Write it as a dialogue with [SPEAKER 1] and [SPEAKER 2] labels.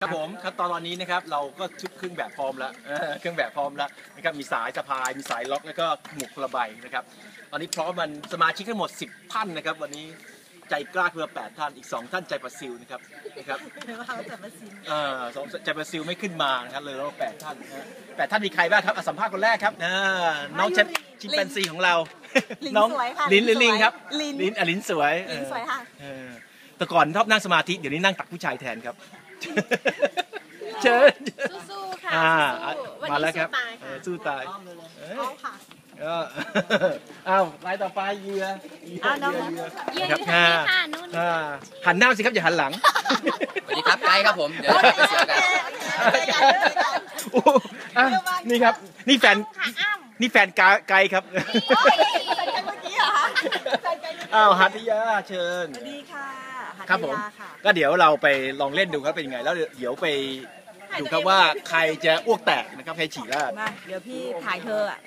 [SPEAKER 1] ครับผมครับตอนนี้นะครับเราก็ชุดเครื่องแบบพร้อมแล้วเครื่องแบบพร้อมแล้วนะครับมีสายสะพายมีสายล็อกแล้วก็หมวกระใบนะครับตอนนี้พร้อมมันสมาชิกทั้งหมด10ท่านนะครับวันนี้ใจกล้าเพื่อ8ท่านอีก2ท่านใจประซิวนะครับใจประซิวไม่ขึ้นมานะครับเลยเรา8ท่านนะ8ท่านมีใครบ้างครับสัมภาษณ์คนแรกครับน้องชิมแปนซีของเราน้องลิ้นหรือลิงครับลิ้นสวย
[SPEAKER 2] ค่ะ
[SPEAKER 1] แต่ก่อนชอบนั่งสมาธิเดี๋ยวนี้นั่งตักผู้ชายแทนครับเชิญ
[SPEAKER 2] สู้ๆค่ะ
[SPEAKER 1] มาแล้วครับสู้ตาย
[SPEAKER 2] เอาค่ะ
[SPEAKER 1] อ้าวรายต่อไปเยือ
[SPEAKER 2] ครับ
[SPEAKER 1] หันหน้าสิครับอย่าหันหลัง
[SPEAKER 3] สวัสดีครับไกด์ครับผมเดี๋ยวเสียกัน
[SPEAKER 1] นี่ครับนี่แฟนไกด์ครับอ้าวหัตถยาเชิญ
[SPEAKER 2] สวัสดีค่ะ
[SPEAKER 1] ครับผมก็เดี๋ยวเราไปลองเล่นดูครับเป็นยังไงแล้วเดี๋ยวไปดูครับว่าใครจะอ้วกแตกนะครับใครฉี่ราด
[SPEAKER 2] เดี๋ยวพี่ถ่ายเธอ